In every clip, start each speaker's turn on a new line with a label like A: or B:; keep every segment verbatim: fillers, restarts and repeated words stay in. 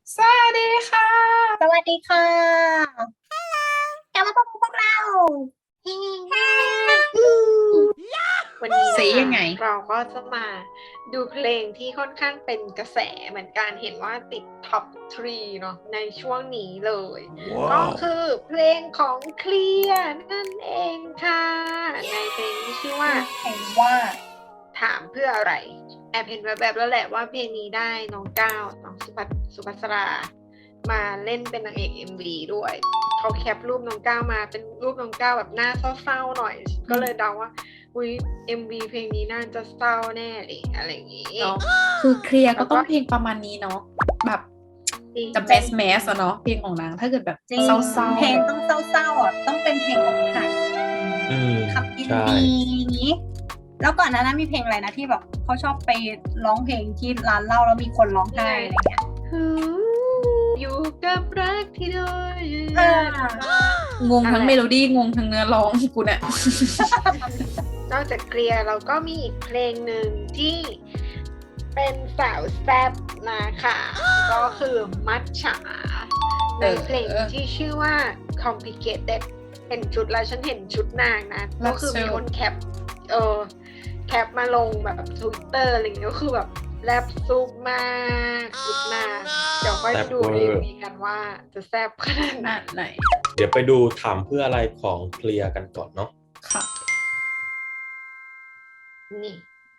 A: สวัสดีค่ะ
B: สวัสดีค่ะกลับมาพบกับพวกเรา
C: วันนี้
A: สี
C: นะ
A: ยังไง
C: คะเราก็จะมาดูเพลงที่ค่อนข้างเป็นกระแสเหมือนกันเห็นว่าติดท็อปสามเนาะในช่วงนี้เลย ก็คือเพลงของเคลียร์นั่นเองค่ะ ในเพลงที่ชื่อว่า
B: เห็นว่า
C: ถามเพื่ออะไร แอบเห็นแบบๆแล้วแหละว่าเพลงนี้ได้น้องก้าวน้องสุภัสสุภัสรา มาเล่นเป็นนางเอก เอ็ม วี ด้วยเขาแคปรูปน้องก้าวมาเป็นรูปน้องก้าวแบบหน้าเศร้าๆหน่อย ก็เลยเดาว่าอุ้ย เอ็ม วี เพลงนี้น่าจะเศร้าแน่เลยอะไรอย่างงี้
A: เนาะคือเคลียร์ก็
C: แล้วก็
A: ต้องเพลงประมาณนี้เนาะแบบ
C: จริง
A: จะแมสแมสอะเนาะเพลงของนางถ้าเกิดแบบ
B: จริง
A: เศร้าๆ
B: เพลงต้องเศร้าๆอ่ะต้องเป็นเพลงของไทย
D: อืม
B: ขับยิน
D: ใช่
B: ดีอย่างนี้ แล้วก่อนหนานั้นมีเพลงอะไรนะที่แบบเขาชอบไปร้องเพลงที่ร้านเหล้าแล้วมีคนร้องไห้อะไรเงี้ย
C: อยู่กับรักที่โดย
B: อ่า
A: งงทั้งเมโลดี้งงทั้งเนื้อร้องกูเนี่ย
C: นอกจากเคลียร์เราก็มีอีกเพลงหนึ่งที่เป็นสาวแซ่บนะคะ ก็คือมัทฉาในเพลงที่ชื่อว่า complicated เห็นชุดแล้วฉันเห็นชุดนางนะ ก็คือมีคนแคปเออแคปมาลงแบบทวิตเตอร์อะไรอย่างเงี้ยก็คือแบบแรปซุปมากชุดนางเดี๋ยวค่อยไปดูในวีกันว่าจะแซ่บขนาดไหน
A: นั่นไหน
D: เดี๋ยวไปดูถามเพื่ออะไรของเคลียร์กันก่อนเนาะ
A: ค่ะ
C: นี่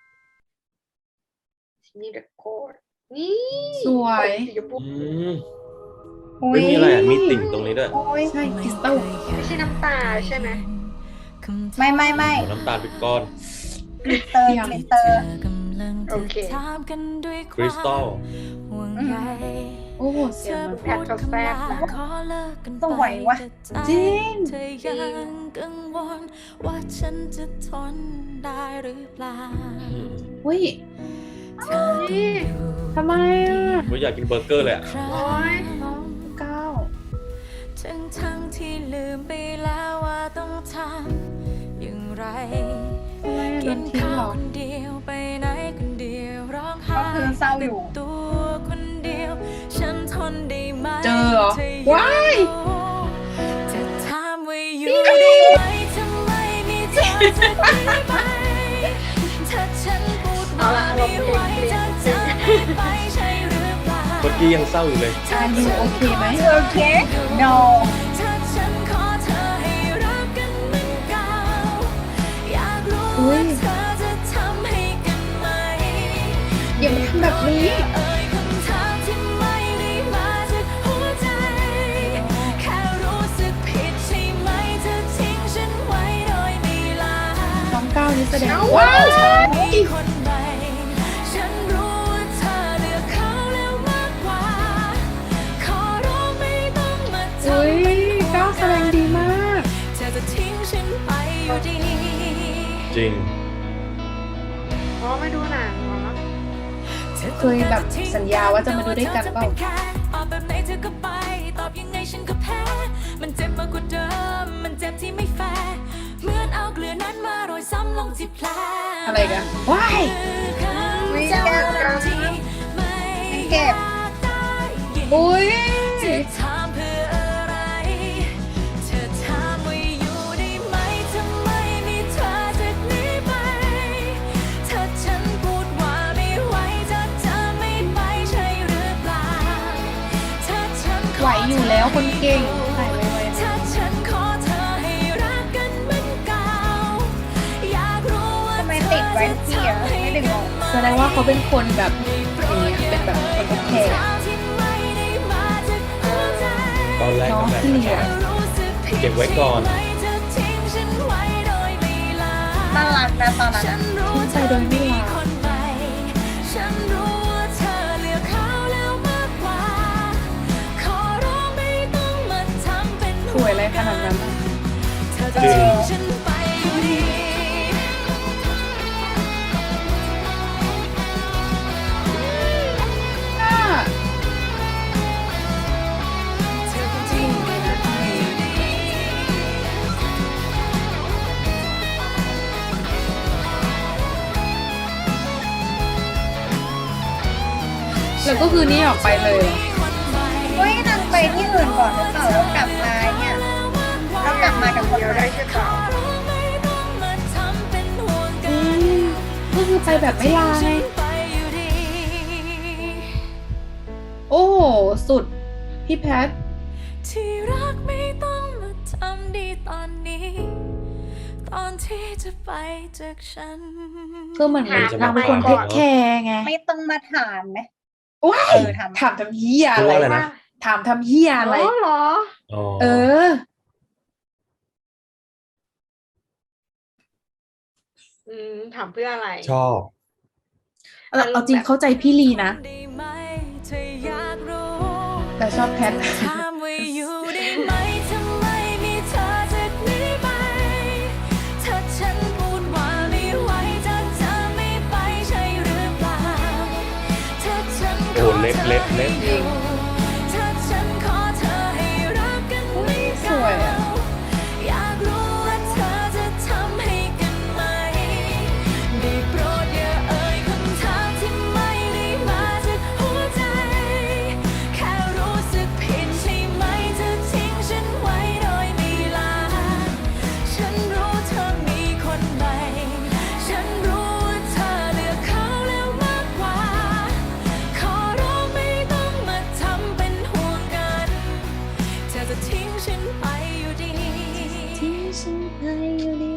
C: นี่เรคคอร์ดนี่
A: สวย
C: สีชมพู
D: อืมไม่มีอะไรอ่ะ มีติ่งตรงนี้ด้วย
B: โอ้ย
A: ใช่คริสตัล
C: ไม่ใช่น้ำตาใช่ไหม
B: ไม่ไม่ไม่
D: โอ้น้ำตาลเป็นก้อน
B: กลิตเตอร์กลิตเตอร์
C: โอเค
D: คริสตัล
A: โอ้โหเสียงมัน
C: แพทเขาแซ่บนะ
B: สวยวะ
A: จริง
E: เธอยังกังวลว่าฉันจะทนได้หรือเปล่า
A: อุ้ย
E: เธอต้องอยู่
A: ทำไมอ่ะ
D: ไม่อยากกินเบอร์เกอร์เลยอ่ะ
E: ครั้
C: โอ๊ย
E: ง
A: น้องก้าว
E: ทั้งทั้งที่ลืมไปแล้วว่าต้องทำอย่างไร
A: ทำไมอ่ะโด
E: กิ
A: น
E: น
A: ทิ้ง
E: ข้า
A: เหร
E: ว
A: อ
E: คนเดียวไปไหนคนเดียวร้องไห้
B: ก็คือเศร้าอยู่
E: ตัวคนเดียว ฉันทนได้ไหม
A: เจอเหรอ
E: ธยัง
A: ว้าย
E: จะถามว่าอยู่ได้ไหมทำไมมีเธอจะดีไหมถ้าฉันพูดว่าไม่ไหวจะจะไม่ไปใช่หรือเปล่า
D: เมื่อกี้ยังเศร้าอยู่เลย
A: อายูโอเคไหม
B: โอเค no
E: ถ้าฉันขอเธอให้รักกันเหมือนเก่าอยากรู้
A: อุ๊
E: ว่าย เธอจะทำให้กันไหม
A: อย่ามาทำแบบนี้
E: เอ่ยคำถามที่ไม่ได้มาจากหัวใจ แค่รู้สึกผิดใช่ไหมเธอทิ้งฉันไว้โดยไม่ลา
A: น้องก้าวนี่แสดง
E: ว่า
A: ว้าว
E: เธอมีคนใหม่ฉันรู้ว่าเธอเลือกเขาแล้วมากกว่า ขอร้องไม่ต้องมาทำ
A: อุ้ย
E: เป็นห่วง
A: ก้าวแสดงดีมาก
E: เธอจะทิ้งฉันไปอยู่ดี
D: จริง
C: อ๋อไม่ดูหนังเหรอ
A: เคยแบบสัญญาว่าจะมาดูด้วยกันเปล่า
E: ตอบแบบไหนเธอก็ไป ตอบยังไงฉันก็แพ้ มันเจ็บมากกว่าเดิม มันเจ็บที่ไม่แฟร์เหมือนเอาเกลือนั้นมาโรยซ้ำลงที่แผล
A: อะไรกันว้าย
B: ไม่เก็บ เก็บ
A: อุ้ย
E: จะถามเพื่ออะไร เธอถามว่าอยู่ได้ไหมทำไมมีเธอจากนี้ไป ถ้าฉันพูดว่าไม่ไหวจะจะไม่ไปใช่หรือเปล่า ถ้าฉันข
A: ไหวอยู่แล้วคนเก่งถ่ายไว้
E: ถ้าฉันขอเธอให้รักกันเหมือนเก่า อยากรู้ว่า
B: ทำไมติดไว้ที่อ่ะไม่ได้งง
A: ๆแสดงว่าเขาเป็นคนแบบอย่างเงี้ยเป็นแบบคนรับแขก
D: ตอนแรก
A: น้อง
D: ก็แบบ
A: เคลียร์
D: เก็บไว้ก่อน
B: น่ารักนะตอนนั้นอะ
A: ทิ้งไปโดยไม่ลา
E: ฉันรู้ว่าเธอเลือกเขาแล้วมากกว่า ขอร้องไม่ต้องมาทำเป็น
A: สวยอะไรขนาดนั้นอะ
E: เธอจะทิ้งฉันไปอยู่ดี
A: อ่ะ
E: เธอคงทิ้งกันไปอยู่ดี
A: แล้วก็คือนี่ออกไปเลยเหรอ
E: คนใหม่
A: แบบไม่ลาไง
E: ฉันไปอยู่ดี
A: โอ้โหสุดพี่แพท
E: ที่รักไม่ต้องมาทำดีตอนนี้ ตอนที่จะไปจากฉัน
A: คือเหมือน
C: ถาม
A: นางเป็นคน
C: ทำไม
A: เทคแคร์ไง
B: ไม่ต้องมาถามไหม
A: ว้า
B: เอย อถาม
A: ถามทำเฮีย
D: พู
A: อะ
D: ด
A: ไร
D: ว่าอะไรนะ
A: ถามทำเฮียอะไร
C: อ๋อเหรอ
D: อ๋อ
A: เออ
C: อืมถามเพื่ออะไร
D: ชอบ
A: เอาเอาจริงเข้าใจพี่ลีนะ
E: ได้ไหมเธออยากรู้
A: แต่ชอบแพท
E: ถามว่าอยู่ได้ไหมทำไมมีเธอจากนี้ไป ถ้าฉันพูดว่าไม่ไหวจากเธอไม่ไปใช่หรือเปล่า ถ้าฉันข
D: โอ้
E: อ
D: เล็บ
E: เธอ
D: เล็บเล็
E: ให้
D: บ
E: อยู่ถ้าฉันขอเธอให้รักกันไม่
A: ส
E: เก่า
A: วยอะ
E: อยากรู้ว่าเธอจะทำให้กันไหม ได้โปรดอย่าเอ่ยคำถามที่ไม่ได้มาจากหัวใจ แค่รู้สึกผิดใช่ไหมเธอทิ้งฉันไว้โดยไม่ลา ฉันรู้เธอมีคนใหม่ ฉันรู้ว่าเธอเลือกเขาแล้วมากกว่า ขอร้องไม่ต้องมาทำเป็นห่วงกัน เธอจะทิ้งฉันไปอยู่ดี
A: ทิ้งฉันไปอยู่ดี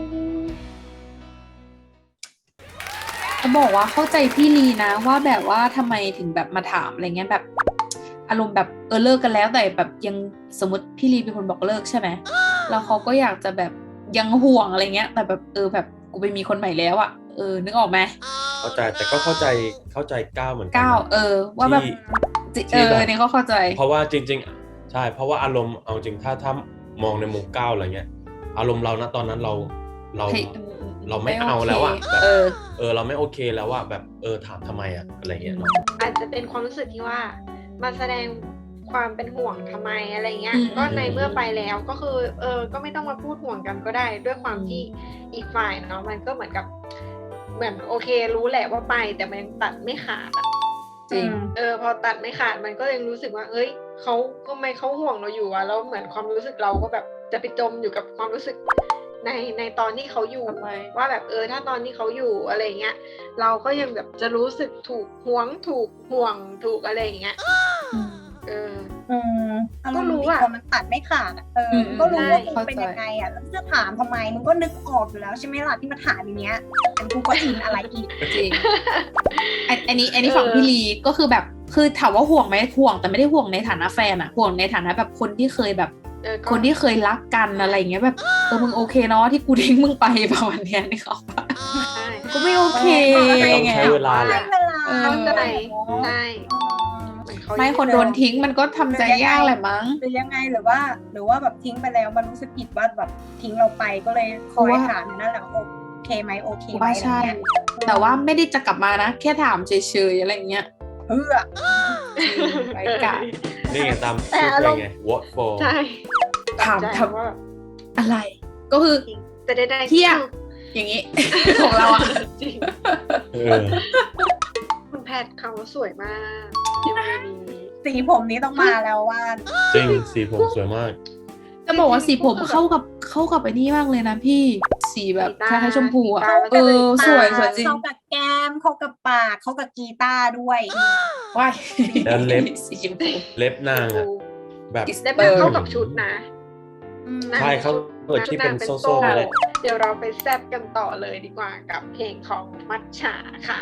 A: จะบอกว่าเข้าใจพี่ลีนะว่าแบบว่าทำไมถึงแบบมาถามอะไรเงี้ยแบบ อารมณ์แบบเออเลิกกันแล้วแต่แบบยังสมมติพี่ลีเป็นคนบอกเลิกใช่ไหมแล้วเขาก็อยากจะแบบยังห่วงอะไรเงี้ย แต่แบบเออแบบกูไปมีคนใหม่แล้วอะเออนึกออกไหม
D: เข้าใจแต่ก็เข้าใจเข้าใจก้าวเหมือนกั
A: ก้าว
D: นะ
A: เออ ว่าแบบ
D: ที่
A: จิ
D: ที่
A: เอ
D: แบบ
A: อเนี่ยก็เข้าใจ
D: เพราะว่าจริง ๆ ใช่ เพราะว่าอารมณ์เอาจริงถ้าถ้ามองในมุมก้าวอะไรเงี้ย อารมณ์เรานะตอนนั้นเราเรา
A: เฮ้ย
D: เราไม่
A: ไม่
D: เอา
A: โอเค
D: แล้วอะแบบ
A: เออ
D: เออเราไม่โอเคแล้วอะแบบเออถามทำไมอะอะไรเงี้ยเนาะ
C: อาจจะเป็นความรู้สึกที่ว่ามาแสดงความเป็นห่วงทำไมอะไรเงี้ย
A: อืม
C: ก็ในเมื่อไปแล้วก็คือ เออ ก็ไม่ต้องมาพูดห่วงกันก็ได้ ด้วยความที่อีกฝ่ายเนาะมันก็เหมือนกับ เหมือนโอเค รู้แหละว่าไปแต่มันยังตัดไม่ขาดอะ
A: จริง
C: เออ พอตัดไม่ขาดมันก็ยังรู้สึกว่า เอ้ยเขาก็ไม่เขาห่วงเราอยู่อะแล้วเหมือนความรู้สึกเราก็แบบจะไปจมอยู่กับความรู้สึกในในตอนที่เขาอยู่
A: ทำไม
C: ว่าแบบเออถ้าตอนที่เขาอยู่อะไรเงี้ย เราก็ยังแบบจะรู้สึกถูกหวงถูกห่วงถูกอะไรอย่างเงี้ย เออ
B: อืมอารมณ์
C: ก็รู้
B: ดี
C: อะ
B: พอมันตัดไม่ขาดอะเออ
A: อืม
B: ก็รู้ว่า
C: ใช่
B: มึงเป็นยังไงอ่ะแล้วจะถามทำไมมึงก็นึกออกอยู่แล้วใช่ไหมล่ะที่มาถามอย่างเงี้ยเป็นกูก็อินอะไรอีก
A: จริงอันอันนี้อันนี้
C: เออ
A: ฝั่งพี่ลีก็คือแบบคือถามว่าห่วงไหมห่วงแต่ไม่ได้ห่วงในฐานะแฟนอะห่วงในฐานะแบบคนที่เคยแบบ
C: เออก็
A: คนที่เคยรักกันอะไรอย่างเงี้ยแบบเออมึงโอเคเนาะที่กูทิ้งมึงไปประมาณเนี้ยนี่เขาปะ
C: ใช่
A: ก็ไม่โอเค
D: ต้อง
A: ไง
D: ใช้เวลาแห
B: ให้
D: ละ
B: เวลา
A: เออ
C: เข้าใจ
B: เนอะ
C: ใช่เหมือนเขา
A: ไม่คนโดนทิ้งมันก็ทำใจยากแหละมั้ง
B: หรือยังไงหรือว่า หรือว่าแบบทิ้งไปแล้วมันรู้สึกผิดว่าแบบทิ้งเราไปก็เลยคอย
A: ว่า
B: ถามอยู่นั่นแหละโอเคไหมโอเคไหม
A: ว่า
B: อะไร
A: ใช่
B: เงี้ย
A: แต่ว่าไม่ได้จะกลับมานะ แค่ถามเฉยๆอะไรอย่างเงี้ย
B: เพื่อ
A: ไร้กาด
D: นี่ไงตาม
C: แต่
D: ชื่อ
C: อา
D: เพ
C: ร
D: ล
C: ม
D: ง
C: ณ์
D: ไง what for
C: ใช่
A: ถาม
C: ใจ
A: ทำ
C: ว่าแบบ
A: อะไร ก็คือ
C: แต่ได้ได้
A: เที่ยอย่างงี้ ของเราอะ
C: จริง
D: เออ
C: คุณแพทย์เขาสวยมากในวันนี้
B: สีผมนี้ต้องมาแล้วว่า
D: จริงสีผมสวยมาก
A: จะบอกว่าสีผมเข้ากับเข้ากับไอ้นี่มากเลยนะพี่สีแบบคล้ายๆชมพูอะเออสวยสวยจริง
B: เข้ากับแก้มเข้ากับปากเข้ากับกีตาร์ด้วย
A: ว้าย
D: แล้วเล็บ
A: สีชมพู
D: เล็บนางอะแบบ
C: ได้แบบเข้ากับชุดนะ
D: ใช่เขาเปิดที่เป็นโซ่ๆเลย
C: เดี๋ยวเราไปแซบกันต่อเลยดีกว่ากับเพลงของมัทฉาค่ะ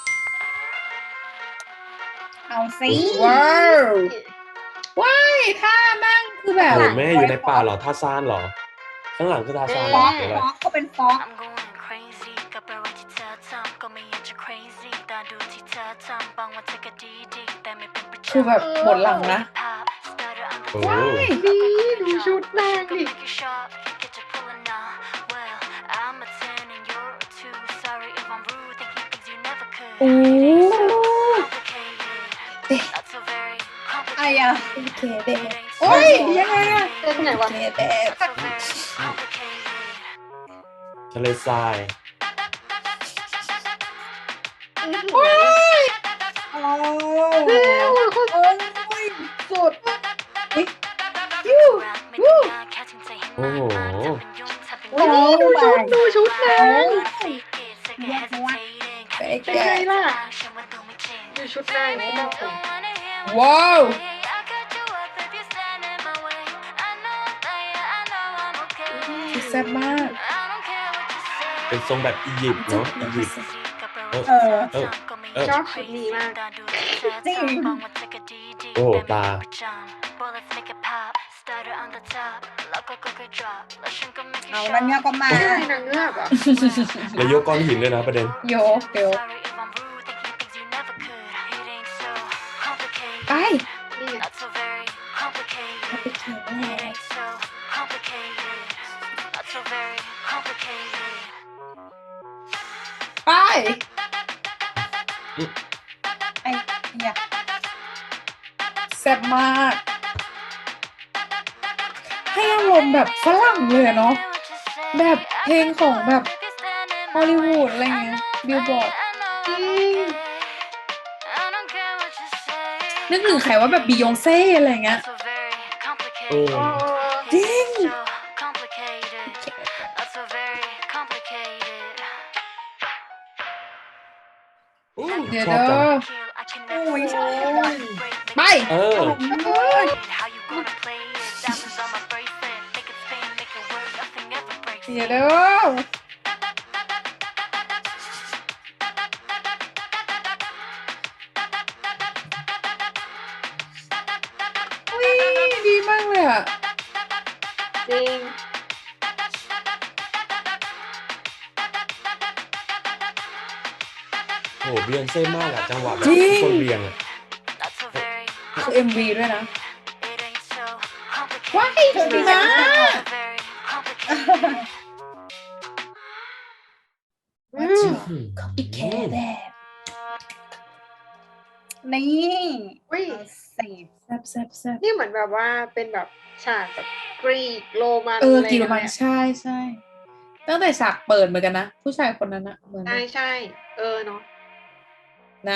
B: เอาสิ
A: ว้าวว้ายท่านั่งคือแบบ
D: โอ้แม่อยู่ในป่าเหรอท่าซานเหรอ ข้างหลังคือท่าซานเห
B: ฟ
D: ร
B: อ
D: อก หรืออะไร
B: ฟอกเขาเป็นฟอก
E: I'm going crazy กับอะไรที่เธอทำก็ไม่อยากจะ crazy แต่ดูที่เธอทำบางวันเธอก็ดีดีแต่ไม่เป็นประจำ
A: คือแบบหมดหลังนะ
D: โอ้
C: ดีดูชุดนางดิ
A: โอ้
B: ไอ้อะ
A: โอเคเด็โอ้ยยังไงอะ
C: เต้นไงวะ
A: โอเคเด็
D: ทะเลทราย
B: โอ้
C: เร็วโคตร
B: โอ้ย
C: สุด
A: ยูวู
D: โอ้โห
C: โอ้ยดูชุดดูชุดนาง
A: เป๊ก
C: ชุดหน้ายังไม่บอกผม
A: ว้าว คือแซ่บมาก
D: เป็นทรงแบบอียิปต์เนาะอียิปต์ เออ
B: เออ
D: เออเออ
C: ชอบชุดนี้มาก
B: จริง
D: โอ้โหตา
B: เอาแล้วเนี่ยก็มา
C: ใช่นางเงือกเหรอ่ะ
D: แล้วยกก้อนหินด้วยนะประเด็น
A: โยกเดี๋ยวไป
C: นี่ไง
E: Not so very complicated. It ain't so complicated. Not so very complicated.
A: ไป
B: ไอ้เนี่ย
A: แซ่บมาก ให้อารมณ์แบบฝรั่งเลยอะเนาะ แบบเพลงของแบบฮอลลีวูดอะไรเงี้ยบิลบอร์ด นึกถึงใครว่าแบบบียองเซ่อะไรเงี้ย
D: เออ
A: จริง
D: อู้
A: เดี๋ยว
D: ชอบจัง
A: เด้อ
B: โอ้ยชอบ
A: ไป
D: เออ
A: เดี๋ยวเด้ออุ๊ยดีมากเลยอ่ะ
C: จริง
D: โอ้โหเบียนเซ่มากอะจังหวะแบบ
A: จริง
D: คนเบียงอะ
A: คือ เอ็ม วี ด้วยนะ ว้ายดีมาก
C: อืม
A: อีกแค่แดด
B: นี่
C: อุ้ย
B: สิ
A: แซ่บแซ่บแซ่บ
C: นี่เหมือนแบบว่าเป็นแบบฉากแบบกรีกโรมัน
A: เออ
C: อะไร
A: กี่โร
C: อย่าง
A: มัน
C: เงี้ย
A: ใช่ใช่ตั้งแต่ฉากเปิดเหมือนกันนะ ผู้ชายคนนั้นอะเหมือน
C: ใช่ใช่เออเนาะ
A: นะ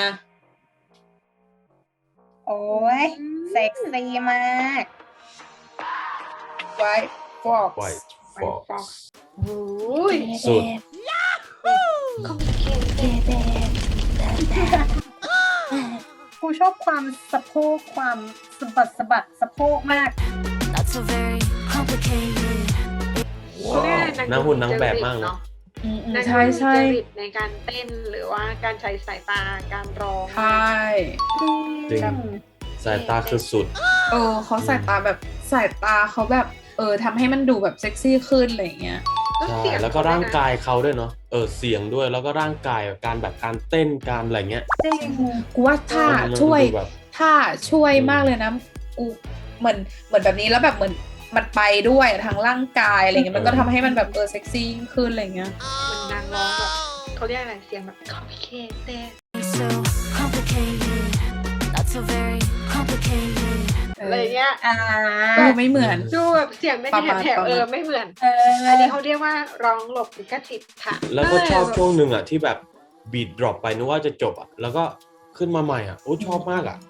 B: โอ้ยเซ็กซี่มาก
A: ไว้ฟอก
D: ไวท์
C: ไว
D: ฟอก
C: ฟอกโอ้ย
D: สุด
C: คอมพิเคเต็ด
B: กูชอบความสะโพกความสะบัดสะบัดสะโพกมาก
E: Not so very complicated.
C: เขาเรียกอะไร
D: นางหุ่นนางแบบมากเนาะ
A: อืมอืม
C: นาง
A: ใช่ใช่
C: จริตในการเต้นหรือว่าการใช้สายตาการร้อง
A: ใช่
D: จริง สายตาคือสุด
A: เออเขาสายตาแบบสายตาเขาแบบเออทำให้มันดูแบบเซ็กซี่ขึ้นอะไรอย่างเงี้ย
C: แล้ว
D: ใช่
C: เสียง
D: แล้วก็ร่างกายเขาด้วยเนาะ เออ เสียงด้วย แล้วก็ร่างกายแบบการแบบการเต้น การอะไรเงี้ย
B: จริง
A: กูว่าท่า
D: มัน
A: ช่วย
D: ดูแบบ
A: ท่าช่วย
D: อืม
A: มากเลยนะกูเหมือนเหมือนแบบนี้แล้วแบบเหมือนมันไปด้วยทางร่างกายอะไรเงี้ยมันก็ทำให้มันแบบเออเซ็กซี่ยิ่งขึ้นอะไรเงี้ย
C: มันนางร้องแบบเขาเรียกอะไรเสียงแบบคอมพิเคเต็ด
E: So complicated. Not so very complicated.
C: อะไรเงี้ย
B: อ่า
A: เออไม่เหมือน
C: ดูแบบเสียงไม่
A: ประ
C: แถ
A: มาณ
C: บแถบ
A: ประมาณ
C: เออไม่เหมือน
B: เออ
C: อันนี้เขาเรียกว่าร้องหลบลิขสิทธิ์ค่ะ
D: แล้วก็ชอบ
C: เ
D: ช่วงหนึ่งอ่ะที่แบบบีดดรอปไปนึกว่าจะจบอ่ะ แล้วก็ขึ้นมาใหม่อ่ะ โอ้ชอบมากอ่ะ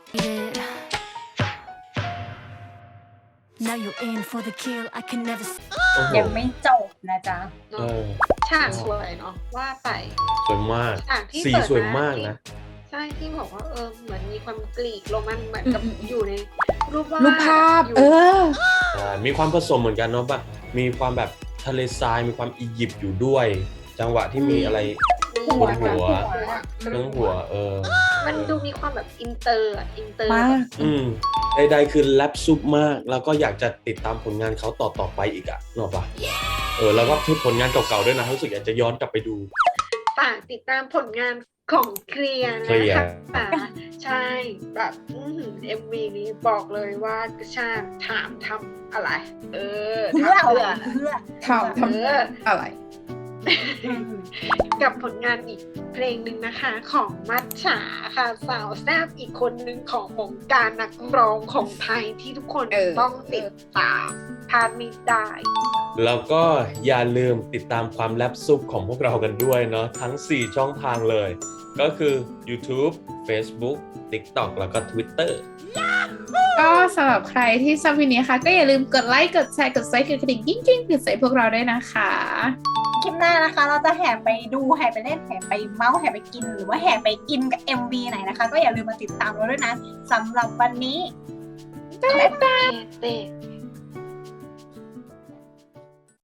E: Now you're in for the kill. I can never.
D: โอ้โห
B: ยังไม่จบนะจ๊ะ
C: เน
D: เอ
C: อะ
D: อ
C: ฉากสวยเนาะว่าไป
D: สวยมาก
C: ฉากที่
D: สี
C: เปิด
D: สวยมากนะ
C: ใช่ที่บอกว่าเออเหมือนมีความกรีกโรมันเหมือนกับ
A: อืมอืม
C: อยู่ในรูปวาด
A: รูปภาพ
C: ยู่
A: เออ
D: ใช่มีความผสมเหมือนกันเนาะแบบมีความแบบทะเลทรายมีความอียิปต์อยู่ด้วย จังหวะที่มีอะไร
C: หัว
D: หัว
C: หัว
D: เรื่องหัว เออ
C: มันดูมีความแบบอินเตอร์อะอินเตอร์
A: มาก
D: อืมใดๆคือแรปซุปมาก แล้วก็อยากจะติดตามผลงานเขาต่อๆไปอีกอ่ะเนกอะปะเออแล้วก็คือผลงานเก่าๆด้วยนะรู้สึกอยากจะย้อนกลับไปดู
C: ฝากติดตามผลงานของเคลียร์
D: เคลี
C: นะ
D: ยร์
C: คะใช่แบบเอ็มวีนี้บอกเลยว่ากระชากถามทำอะไร เออ
B: เพื่อ
C: ทำ
B: อะไร
C: เพื่อ
B: เพื่อ
A: ทำท
C: เออ
A: ำอะไร
C: กับผลงานอีกเพลงหนึ่งนะคะของมัจฉาค่ะสาวแซ่บอีกคนหนึ่งของวงการนักร้องของไทยที่ทุกคน
A: เออ
C: ต้องติดตามพลาดไม่ได้
D: แล้วก็อย่าลืมติดตามความแรปซุปของพวกเรากันด้วยเนาะทั้งสี่ช่องทางเลยก็คือ YouTube Facebook TikTok แล้วก็ Twitter
A: ก็สำหรับใครที่ชอบวิดีโอนี้ค่ะก็อย่าลืมกดไลค์กดแชร์กดไซค์กดกระดิ่งกิ้งกิ้งติดใส่พวกเราด้วยนะคะ
B: คลิปหน้านะคะ เราจะแห่ไปดูแห่ไปเล่นแห่ไปเมาส์แห่ไปกินหรือว่าแห่ไปอินกับ เอ็ม วี ไหนนะคะ ก็อย่าลืมมาติดตามเราด้วยนะสำหรับวันนี้
C: โอเค